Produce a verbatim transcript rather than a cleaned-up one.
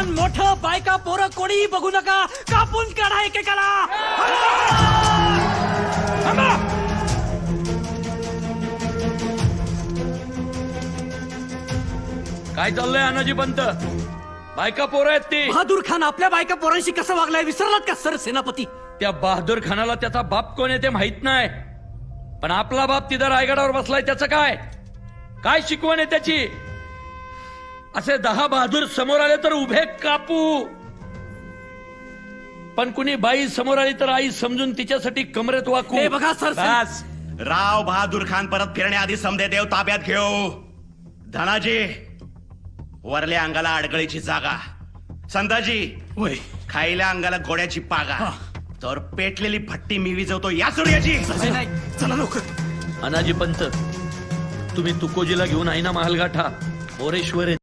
लहान मोठं बायका पोरं कोणीही बघू नका, कापून काढा एकेकाला. थांबा. काय चाललंय अनाजी पंत? बायका पोरं आहेत ती. बहादूर खान आपल्या बायका पोरांशी कसं वागलाय विसरलात का सर सेनापती? त्या बहादूर खानाला त्याचा बाप कोण आहे ते माहित नाही, पण आपला बाप तिथं रायगडावर बसलाय, त्याचं काय काय शिकवण आहे त्याची? असे दहा बहादूर समोर आले तर उभे कापू, पण कुणी बाई समोर आली तर आई समजून तिच्यासाठी कमरेत वाकू. हे बघा सर, बस. राव बहादूर खान परत फिरण्याआधी समदे देव ताब्यात घेऊ. धनाजी, वरल्या अंगाला अडगळीची जागा. संताजी, होय खायल्या अंगाला गोड्याची पागा. तर पेटलेली भट्टी मी विजवतो या सूर्याची. नाही, चला लवकर. अनाजी पंत, तुम्ही तुकोजीला घेऊन आहे ना महालगाठा. मोरेश्वर